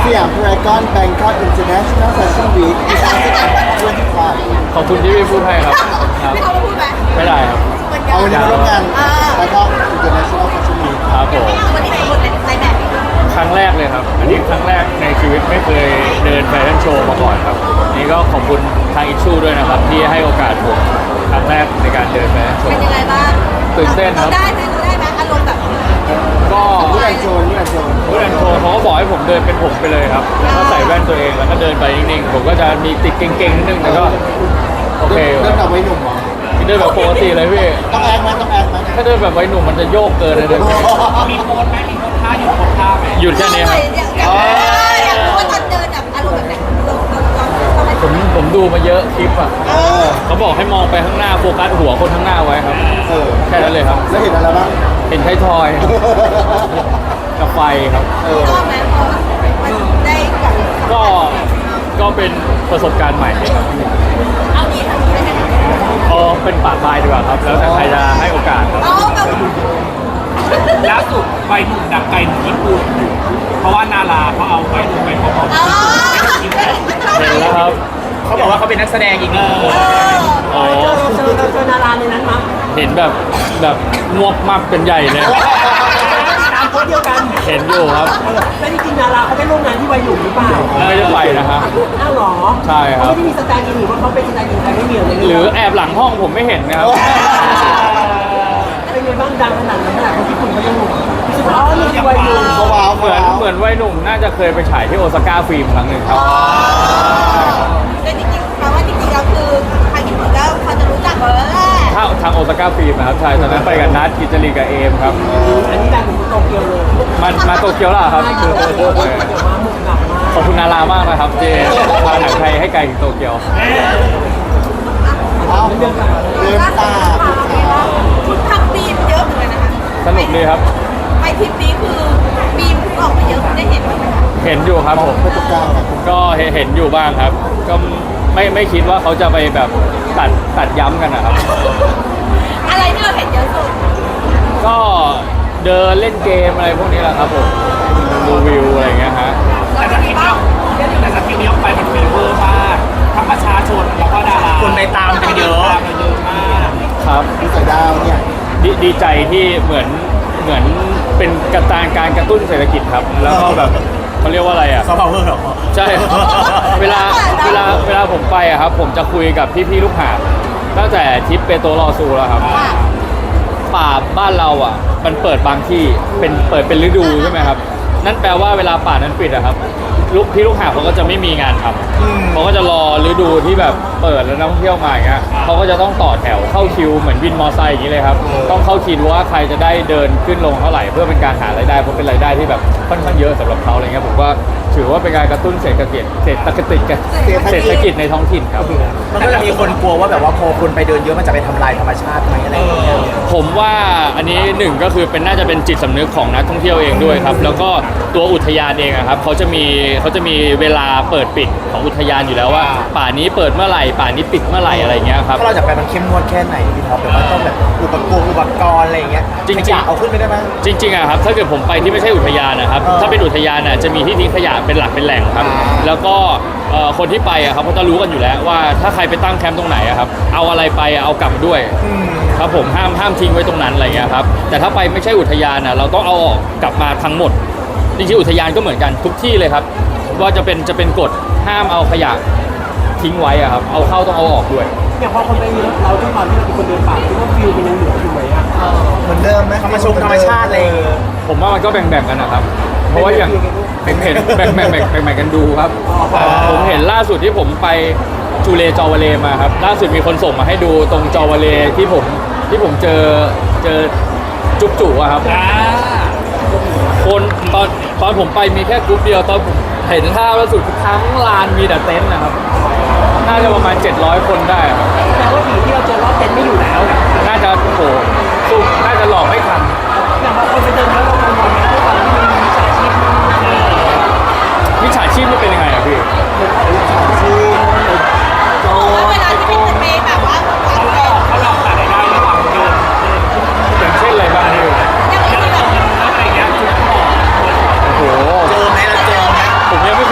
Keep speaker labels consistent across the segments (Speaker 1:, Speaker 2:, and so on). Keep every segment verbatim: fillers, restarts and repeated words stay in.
Speaker 1: สยามพารากอนแบงคอกอินเตอร์เนชั่นแนลแฟชั่นวีคยี่สิบห้า
Speaker 2: ขอบคุณที่พี่พูดให้ครับครับ
Speaker 3: พี่เขาพูดไหม
Speaker 2: ไม่ได้ครับ
Speaker 1: เอาวันนี้มาร่วมงานแบงคอกอินเตอร์เนชั่นแนลแฟชั่นวีค
Speaker 2: ครับผม
Speaker 3: วันนี้เป็นคนในแบบ
Speaker 2: ครั้งแรกเลยครับ อันนี้ครั้งแรกในชีวิตไม่เคยเดินแฟชั่นโชว์มาก่อนครับนี่ก็ขอบคุณทางอิชชูด้วยนะครับที่ให้โอกาสผมครั้งแรกในการเดินแฟชั่นโช
Speaker 3: เป็น
Speaker 2: ว์
Speaker 3: ยังไงบ้าง
Speaker 2: ตื่นเต้นครับ
Speaker 3: เราได้ไหมเราได้ไหมอารมณ์แบบ
Speaker 2: ก็
Speaker 1: ผู้แอนโชว์ผู้แอนโชว์
Speaker 2: ผู้ดันโชว์เขาก็บอกให้ผมเดินเป็นผมไปเลยครับแล้วก็ใส่แว่นตัวเองแล้วก็เดินไปนิ่งๆผมก็จะมีติดเก่งๆนิดนึงแต่ก็โอเค
Speaker 1: เริ่มจากวัยหนุ่มเหรอ
Speaker 2: เดินแบบปกติเลยพี่
Speaker 1: ต้องแอคไหมต้องแอคไหม
Speaker 2: ถ้าเดินแบบวัยหนุ่มมันจะโยกเกินเลยนะ
Speaker 4: มีโพสไหมมีโพสท่าอยู่โพสท่าไหม
Speaker 2: หยุดแค่นี้ครับ
Speaker 3: อยากอยากรู้ว่าตอนเดินแบบอารมณ์แบบไหนเราเราเราทำไม
Speaker 2: ผมผมดูมาเยอะคลิปอ่ะ
Speaker 1: เออ
Speaker 2: เขาบอกให้มองไปข้างหน้าโฟกัสหัวคนข้างหน้าไว้ครับ
Speaker 1: เออ
Speaker 2: แค่นั้นเลยครับ
Speaker 1: แล้วเห็นอะไรบ้าง
Speaker 2: เห็นไทยทอยกับไฟครับ
Speaker 1: เออ
Speaker 3: ชอบไหมเพราะมันได้แบบ
Speaker 2: ก็ก็เป็นประสบการณ์ใหม่ครับ
Speaker 3: เอาดีทำดีได้ไหม
Speaker 2: เออเป็นป่าปลายดีกว่าครับ แล้วแต่ใครจะให้โอกาสครับ
Speaker 3: เอาแบบ
Speaker 4: ล่าสุดใบหนุ่มดังไกลถึงญี่ปุ่นเพราะว่านาราเขาเอาใบหนุ่มไปพร้อม
Speaker 3: อ๋อ
Speaker 2: เห็นแล้วครับ
Speaker 4: เขาบอกว่าเขาเป็นนักแสดงอีกหนึ่งคน
Speaker 2: อ๋อ
Speaker 5: เจอเจอเจอนาราในนั้นมั้ง
Speaker 2: เห็นแบบแบบงวกมากเป็นใหญ่เลย
Speaker 5: ตามโพสต์เดียวกัน
Speaker 2: เห็นอยู่ครับ
Speaker 5: แล้วจริงๆนาราเขาได้ร่วมงานที่วัยหนุ่มหรือเปล่า
Speaker 2: ไม่ได้ไปนะฮะ
Speaker 5: อ้าวเหรอ
Speaker 2: ใช่ครับ
Speaker 5: เขาไม่ได้มีสแตนด์อินหรือว่าเขาเป็นสแตนด์อินใครไม่มีเลย
Speaker 2: หรือแอบหลังห้องผมไม่เห็นนะครับ
Speaker 5: เป็นไงบ้างดังขนาดนั้นขนาดคนญี่ปุ่นเขายังรู้สึกว่าอ๋อนี่คือวัยหนุ่ม
Speaker 1: เขาว้าว
Speaker 2: เหมือนเหมือนวัยหนุ่มน่าจะเคยไปฉายที่โอซาก้าฟิล์มครั้งหนึ่งครับ
Speaker 3: แต่จริงๆแปลว่าจริงๆเราคือทางญี่ปุ่นก็พอจะรู้จักเราแล้วแหละ
Speaker 2: ถ้าทางโอซาก้าฟิล์มนะครับใช่ตอนนั้นไปกับนัทกิจจรีกับเอมครับ
Speaker 5: อันนี้ดังถึงโตเกียวเลย
Speaker 2: มามาโตเกียวแล้วเหรอครับ
Speaker 5: ใช่เดี๋ยวมาหมุกหนักมาก
Speaker 2: ขอบคุณนารามากนะครับเจพาหนังไทยให้ไกลถึงโตเกียว
Speaker 1: เอาเดินตา
Speaker 3: ชุดทำบีมเยอะเหมือนกันนะคะ
Speaker 2: สนุกดีครับ
Speaker 3: ไปทริปนี้คือบีมออกมาเยอะได้เห็นไหมคะ
Speaker 2: เห็นอยู่ครับผม
Speaker 1: ประสบการณ์อะ
Speaker 2: ก็เห็นเห็นอยู่บ้างครับ ก็ไม่ไม่คิดว่าเขาจะไปแบบตัดตัดย้ำกันนะครับ
Speaker 3: อะไรที่เราเห็นเยอะสุด
Speaker 2: ก็เดินเล่นเกมอะไรพวกนี้แหละครับผมดูวิวอะไรอย่างเงี้ยฮะ
Speaker 4: แต่สกิปเนี่ยแต่สกิปนี้ออกไปมันฟีเวอร์มากทั้งประชาชนแล้วก็ดาราคนไปตามกันเยอะตามกันเยอะมาก
Speaker 2: ครับ
Speaker 1: พี่สายดาวเนี่ย
Speaker 2: ดดีใจที่เหมือนเหมือนเป็นกระตานการกระตุ้นเศรษฐกิจครับ แล้วก็แบบเขาเรียกว่าอะไรอ่ะ
Speaker 4: ซอฟต์พาวเวอร์เหรอ
Speaker 2: ใช่ เวลาเวลาเวลาผมไปอะครับ ผมจะคุยกับพี่ๆลูกหาบตั้งแต่ทริปเปโตรลอซูแล้วครับ
Speaker 3: ว่า
Speaker 2: ป่าบ้านเราอ่ะ มันเปิดบางที่เป็นเปิดเป็นฤดูใช่ไหมครับ นั่นแปลว่าเวลาป่านั้นปิดอะครับลูกพี่ลูกหาบเขาก็จะไม่มีงานทำเขาก็จะรอฤดูที่แบบเปิดแล้วนักท่องเที่ยวมาอย่างเงี้ยเขาก็จะต้องต่อแถวเข้าคิวเหมือนวินมอไซค์อย่างนี้เลยครับต้องเข้าคิวว่าใครจะได้เดินขึ้นลงเท่าไหร่เพื่อเป็นการหารายได้เพราะเป็นรายได้ที่แบบค่อนข้างเยอะสำหรับเขาอะไรเงี้ยผมว่าถือว่าเป็นการกระตุ้นเศรษฐกิจเศรษฐกิจเศรษฐกิจในท้องถิ่นครับ
Speaker 4: มันก็จะมีคนกลัวว่าแบบว่าพอคนไปเดินเยอะมันจะไปทำลายธรรมชาติไหมอะไรอย่างเงี้ย
Speaker 2: ผมว่าอันนี้หนึ่งก็คือเป็นน่าจะเป็นจิตสำนึกของนักท่องเที่ยวเองด้วยครับ แล้วก็ตัวอุทยานเองอะครับเขาจะมีเขาจะมีเวลาเปิดปิดของอุทยานอยู่แล้วว่า ป่านี้เปิดเมื่อไหร่ป่านี้ปิดเมื่อไหร่อะไรเงี้ยครับ
Speaker 4: ถ้าเราจะไปมันเข้มงวดแค่ไหนพี่ท็อปแบบว่าต้องแบบอุปกรณ์อุปกรณ์อะไรอย่างเงี้ย
Speaker 2: จริงๆ
Speaker 4: ขยะเอาขึ้นไปได้ไหม
Speaker 2: จริงๆอะครับถ้าเกิดผมไปที่ไม่ใช่อุทยานนะครับ
Speaker 4: เออ
Speaker 2: ถ้าเป็นอุทยานอะจะมีที่ทิ้งขยะเป็นหลักเป็นแหล่งครับ
Speaker 4: อ่า
Speaker 2: แล้วก็เอ่อคนที่ไปอะครับเขาจะรู้กันอยู่แล้วว่าถ้าใครไปตั้งแคมป์ตรงไหนอะครับเอาอะไรไปอะเอากลับด้วย
Speaker 4: อืม
Speaker 2: ครับผมห้ามห้ามทิ้งไว้ตรงนั้นอะไรเงี้ยครับแต่ถ้าไปไม่ใช่อุทยานอ่ะเราต้องเอาออกกลับมาทั้งหมดจริงๆอุทยานก็เหมือนกันทุกที่เลยครับว่าจะเป็นจะเป็นกฎห้ามเอาขยะทิ้งไว้อะครับเอาเข้าต้องเอาออกด้วย
Speaker 5: อย่างพอคนไปเยอะเราด้วยความที่เราเป็นคนเดินป่าคิดว่าฟิลมันยังเหลืออยู่ไหมอ่ะ
Speaker 1: เหมือนเดิมไหม
Speaker 4: ธรรมชมธรรมชาติอะไรอย่างเงี้ย
Speaker 2: ผมว่ามันก็แบ่งๆกันนะครับ เพราะว่าอย่างผมเห็นแบ่งๆแบ่งๆแบ่งๆกันดูครับผมเห็นล่าสุดที่ผมไปจูเลจอวาเลมาครับล่าสุดมีคนส่งมาให้ดูตรงจอวาเลที่ผมที่ผมเจอเจอจุ๊บจุ๋อะครับ
Speaker 4: อ่า
Speaker 2: คนตอนตอนผมไปมีแค่กรุ๊ปเดียวตอนผมเห็นภาพล่าสุดทั้งลานมีแต่เต็นท์นะครับน่าจะประมาณเจ็ดร้อยคนได้ครับ
Speaker 5: แต่ว่าผีที่เราเจอรอบเต็นท์ไม่อยู่แล้ว
Speaker 2: น่าจะโอ้โหสุกน่าจะหลอกไม่ทัน
Speaker 5: อย่างพอคนไปเดินแล้วเรากังวลไหมด้วยความที่มันมีมิจฉาชีพ
Speaker 2: มิจฉาชีพนี่เป็นยังไงอะพี่
Speaker 3: เขาบอกว่าเวลาที่เป็นไปแบบว่าเขาหลอก
Speaker 4: เขาหลอกหารายได้ระหว่างเดิน
Speaker 2: อย่างเช่นอะไรบ้างพี่
Speaker 3: อย่างที่แบบ
Speaker 4: อะไรอย่างเงี้ยจุดหลอก
Speaker 2: โอ้โห
Speaker 4: เจอไหมเราเจอไหม
Speaker 2: ผมยังไม่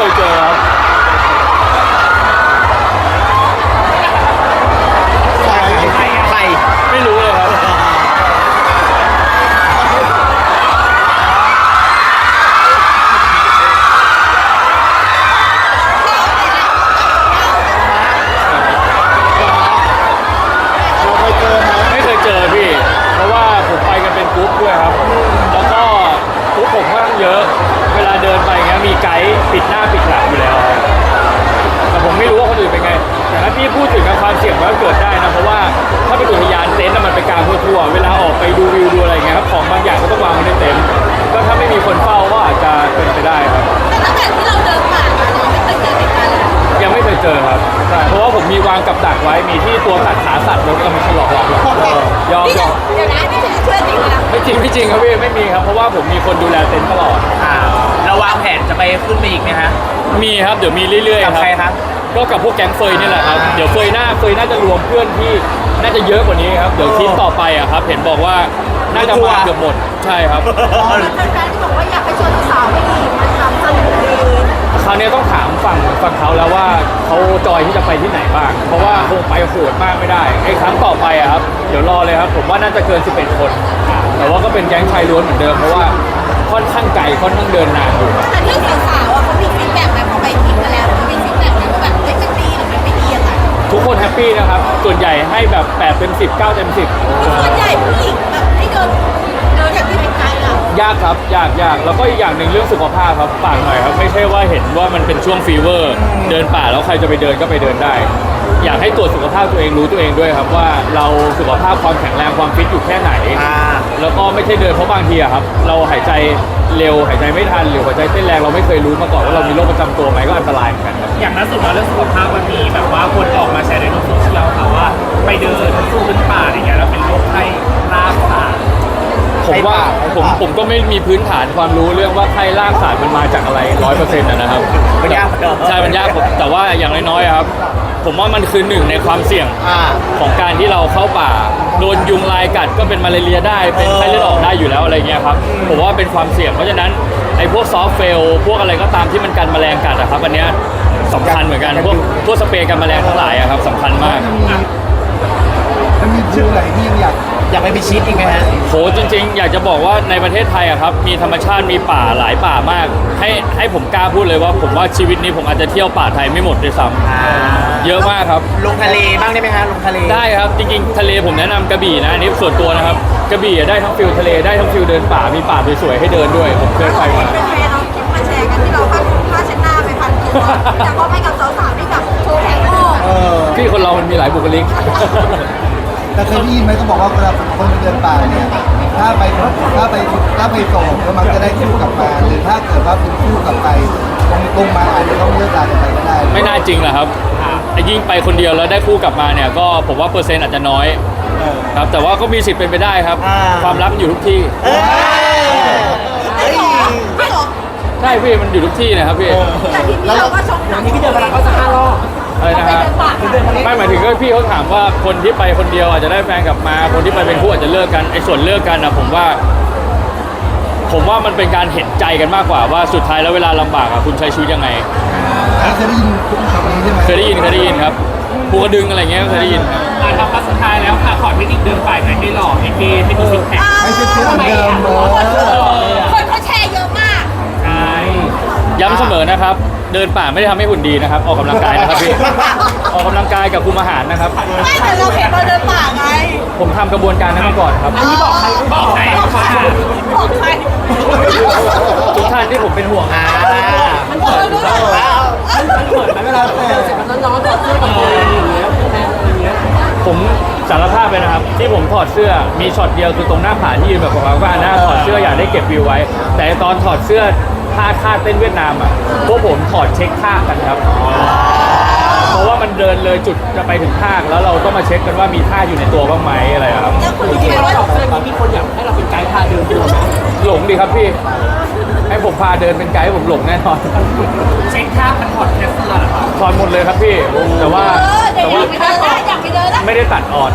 Speaker 2: ไม่จริงครับพี่ไม่มีครับเพราะว่าผมมีคนดูแลเต็นท์ตลอด
Speaker 4: อ่าเราวางแผนจะไปขึ้นไปอีกไหมฮะ
Speaker 2: มีครับเดี๋ยวมีเรื่อยๆค
Speaker 4: กั
Speaker 2: รั
Speaker 4: บบ ใครครับ
Speaker 2: ก็กับพวกแก๊งเฟยนี่แหละครับเดี๋ยวเฟยหน้าเฟยน่าจะรวมเพื่อนที่น่าจะเยอะกว่านี้ครับเดี๋ยวทริปต่อไปอ่ะครับเห็นบอกว่าน่าจะมาเกือบหมดใช่ครับ
Speaker 3: แฟนๆที่บอกว่าอยากไปชวนสาวๆไปอีกมันทำสนุกดี
Speaker 2: คราวนี้ต้องถามฝั่งฝั่งเขาแล้วว่าเขาจอยที่จะไปที่ไหนบ้าง เพราะว่าคงไปโหดมากไม่ได้ไอ้ครั้งต่อไปอะครับเดี๋ยวรอเลยครับผมว่าน่าจะเกินสิบเอ็ดคน แต่ว่าก็เป็นแก๊งชายล้วนเหมือนเดิมเพราะว่าค่อนข้างไกลค่อนข้างเดินนานอยู่
Speaker 3: แต่เรื่องสาวๆอ่ะเขามีฟีดแบ็กไหมพอไปทริปมาแล้วเขามีฟีดแบ็กไหมว่าแบบเฮ้ยมันดีหรือมันไม่ดีอะไร
Speaker 2: ทุกคนแฮปปี้นะครับส่วนใหญ่ให้แบบแปดเต็มสิบ เก้าเต็มสิบ
Speaker 3: ส่วนใหญ่ผู้หญิงแบบให้เดินเดินอย่างที่เป็นไกด์อ่ะ
Speaker 2: ยากครับยากยากแล้วก็อีกอย่างหนึ่งเรื่องสุขภาพครับฝากหน่อยครับไม่ใช่ว่าเห็นว่ามันเป็นช่วงฟีเวอร์ เดินป่าแล้วใครจะไปเดินก็ไปเดินได้ อยากให้ตรวจสุขภาพตัวเองรู้ตัวเองด้วยครับว่าเราสุขภาพความแข็งแรงความฟิตอยู่แค่ไหน
Speaker 4: อ่า
Speaker 2: แล้วก็ไม่ใช่เดินเพราะบางทีอะครับเราหายใจเร็วหายใจไม่ทันหรือหัวใจเต้นแรงเราไม่เคยรู้มาก่อนว่าเรามีโรคประจำตัวไหมก็อันตรายเหมือนกันครับ
Speaker 4: อย่างล่าสุดมาเรื่องสุขภาพมันมีแบบว่าคนออกมาแชร์ในโลกโซเชียลค่ะว่าไปเดินสู้พื้นป่าอะไรเงี้ยแล้วเป็นโรคไข้ลาบป่า
Speaker 2: ผมว่าผมผมก็ไม่มีพื้นฐานความรู้เรื่องว่าไข้ล่างสารมันมาจากอะไรร้อยเปอร์เซ็นต์นะครับ
Speaker 4: มันยาก
Speaker 2: ใช่มันยากผมแต่ว่าอย่างน้อยๆอะครับ ผมว่ามันคือหนึ่งในความเสี่ยง
Speaker 4: อ่า
Speaker 2: ของการที่เราเข้าป่าโดนยุงลายกัดก็เป็นมาลาเรียได้เป็นไข้เลือดออกได้อยู่แล้วอะไรเงี้ยครับผมว่าเป็นความเสี่ยงเพราะฉะนั้นไอ้พวกซอฟต์เฟลพวกอะไรก็ตามที่มันกันแมลงกัดอะครับอันเนี้ยสำคัญเหมือนกันพวกพวกสเปรย์กันแมลงทั้งหลายอะครับสำคัญมาก
Speaker 1: มันมีชื่อไหนที่ยังอยาก
Speaker 4: อยากไปพิชิตอีกไหมฮะ
Speaker 2: โหจริงๆ อยากจะบอกว่าในประเทศไทยอะครับมีธรรมชาติมีป่าหลายป่ามาก ให้ให้ผมกล้าพูดเลยว่าผมว่าชีวิตนี้ผมอาจจะเที่ยวป่าไทยไม่หมดด้วยซ้ำเยอะมากครับ
Speaker 4: ลงทะเลบ้างได้ไหมฮะลงทะเล
Speaker 2: ได้ครับจริงๆทะเลผมแนะนำกระบี่นะอันนี้ส่วนตัวนะครับกระบี่อะได้ทั้งฟิลทะเลได้ทั้งฟิลเดินป่ามีป่าสวยๆให้เดินด้วยผมเคยไปมา
Speaker 3: เป็นเทรนเอาคลิปมาแชร์กันที่เราผ้าผ้าเช็ดหน้าไปพันตัวแต่พอไปกับสาวๆนี่แบบโชว์แขนโม่
Speaker 1: เออ
Speaker 2: พี่คนเรามันมีหลายบุคลิก
Speaker 1: แต่เคยได้ยินไหมเขาบอกว่าเวลาคนไปเดินป่าเนี่ยถ้าไปถ้าไปถ้าไปโสดก็มักจะได้คู่กลับมาหรือถ้าเกิดว่าเป็นคู่กลับไปตรงตรงมาอาจจะต้องเลิกลากันไปก็ได้
Speaker 2: ไม่น่าจริงหรอกครับไอ้ยิ่งไปคนเดียวแล้วได้คู่กลับมาเนี่ยก็ผมว่าเปอร์เซ็นต์อาจจะน้อย
Speaker 1: เออ
Speaker 2: ครับแต่ว่าก็มีสิทธิ์เป็นไปได้ครับ
Speaker 4: อ่า
Speaker 2: ความรักอยู่ทุกที่
Speaker 4: เอ้ย
Speaker 3: ไม่หรอไม่หรอ
Speaker 2: ใช่พี่มันอยู่ทุกที่นะครับพี่
Speaker 3: แต่ทีนี้เราก็ชกหนั
Speaker 5: อั
Speaker 3: ง
Speaker 5: นนี้พี่เดินพลังก็จะห้ารอบ
Speaker 2: อะไรนะฮะไม่หมายถึงก็พี่เขาถามว่าคนที่ไปคนเดียวอาจจะได้แฟนกลับมา คนที่ไปเป็นคู่อาจจะเลิกกันไอ้ส่วนเลิกกันนะผมว่า ผมว่ามันเป็นการเห็นใจกันมากกว่าว่าสุดท้ายแล้วเวลาลำบากอะคุณใช้ชีวิตยังไง
Speaker 1: อันนี้เคยได้ยินคำนี้ใช่ไหม
Speaker 2: เคยได้ยินเคยได้ยินครับภูกระดึงอะไรเงี้ยก็เคยได้ยินครับ
Speaker 4: อ่ะครับสุดท้ายแล้วค่ะขอเทคนิคเดินป่าให้หล่อให้เท่ให้มีซิกแพค
Speaker 1: ไม่ใช่เพื่อนเหมือนเดิมเลย
Speaker 3: คนเขาแชร์เยอะมาก
Speaker 4: ใช่
Speaker 2: ย้ำเสมอนะครับ เดินป่าไม่ได้ทำให้หุ่นดีนะครับ ออกกำลังกายนะครับพี่ ออกกำลังกายกับคุมอาหารนะครับ
Speaker 3: ไม่แต่เราเห็นเราเดินป่าไง
Speaker 2: ผมทำกระบวนการนั้นมาก่อนครับ
Speaker 3: อันนี้บอกใคร
Speaker 4: บอกใคร
Speaker 3: บอกใครบอกใคร
Speaker 2: ทุกท่านที่ผมเป็นห่วง
Speaker 4: อ่า
Speaker 3: มันบอกเราด้วย
Speaker 5: มันเปิดไหมเวลาเสร็จมันร้อนๆถอดเสื้อกับตัวเองอย่างเงี้ยแม่อะไรเงี้ย
Speaker 2: ผมสารภาพเลยนะครับ ที่ผมถอดเสื้อมีช็อตเดียวคือตรงหน้าผาที่ยืนแบบบอกว่าหน้าถอดเสื้ออยากได้เก็บวิวไว้ แต่ตอนถอดเสื้อท่าท่าเต้นเวียดนามอ่ะพวกผมถอดเช็คท่ากันครับ เพราะว่ามันเดินเลยจุดจะไปถึงท่าแล้วเราต้องมาเช็คกันว่ามีท่าอยู่ในตัวบ้างไหมอะไรอะครับ
Speaker 3: แล้วคุณ
Speaker 5: จริง
Speaker 3: แช
Speaker 5: ๆ
Speaker 3: ร์
Speaker 5: เรา
Speaker 3: ว่า
Speaker 5: ถอดเสื้อนี้มีคนอยากให้เราเป็นไกด์พาเดินด้วย
Speaker 2: หลงดีครับพี่ ให้ผมพาเดินเป็นไกด์ผมหลงแน่นอน
Speaker 4: เช็คท่ามันถอดแค่เสื้อเหรอครับ
Speaker 2: ถอดหมดเลยครับพี่ แต่ว่า
Speaker 3: เออเดี๋
Speaker 2: แต่
Speaker 3: ยว
Speaker 2: ว่า
Speaker 3: อยากไปเดินได้อยากไปเดินได้
Speaker 2: ไม่ได้ตัดออน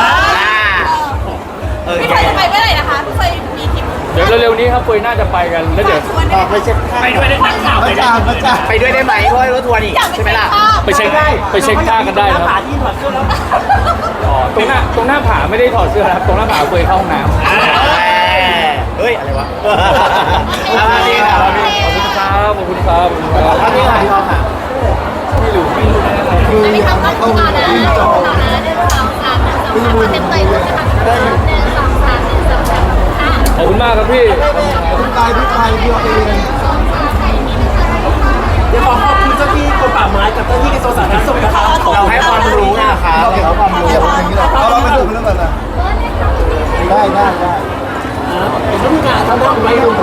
Speaker 3: เออพี่เคยจะไปเมื่อไหร่นะคะพี่เคยมีทริป
Speaker 2: เดี๋ยวเร็วๆนี้ครับเฟยน่าจะไปกันแล้วเดี๋ยว
Speaker 3: ชวน
Speaker 1: อ
Speaker 3: ได้
Speaker 1: อก
Speaker 3: ไห
Speaker 1: ไป
Speaker 3: ม
Speaker 1: เช็ค
Speaker 4: ไปด้วยได้นักข่าว
Speaker 1: พ
Speaker 4: ไป
Speaker 1: ระ
Speaker 4: ด้
Speaker 1: จานพระจาน
Speaker 4: ไปด้วยได้ไหมเพราะว่ารถทัวร์นี่
Speaker 3: อยากไป
Speaker 4: ใช่ไหม
Speaker 3: เช็ค
Speaker 4: ล่ะ
Speaker 3: ภาพ
Speaker 2: ไปเช็คไปเช็คท่ากันได้นะครับ
Speaker 5: หาที่ถอดเสื้อแล้ว
Speaker 2: อ๋อตรงหน้าตรงหน้าผาไม่ได้ถอดเสื้อนะครับตรงหน้าผาเฟยเข้าห้องน้ำ
Speaker 4: เฮ้ย อะไรวะ
Speaker 2: ขอบคุณครับขอบคุณครับขอบคุณครับ
Speaker 1: อันนี้ค่ะพี่ออฟค่ะ
Speaker 2: ไม่รู้ไม่รู้
Speaker 1: คือ
Speaker 3: ไม่
Speaker 1: อยาก
Speaker 3: ทำ
Speaker 1: ให้
Speaker 3: ก็
Speaker 1: เขา
Speaker 3: ต่อนะ
Speaker 1: วิ่งจอ
Speaker 3: ต่อนะหนึ่งสองสามหนึ่งสองสามเต็มใจเลยนะคะหนึ่งสองสามหนึ่งสองสามค่ะ
Speaker 2: ขอบคุณมากครับพี่
Speaker 1: คุณกายพี่ไทยพี่ออฟเอง
Speaker 5: เดี๋ยวขอขอบคุณเจ้าที่กรมป่าไม้กับเจ้าที่กระทรวงสาธารณสุขนะคะ
Speaker 4: เราให้ความรู้นะครับ
Speaker 1: เราเห็นความรู้อย่างนี้แหละเราเราไปดูเรื่องอะไรได้ได้ได้
Speaker 5: เห็นว่ามีการทำหน้าไว้ดู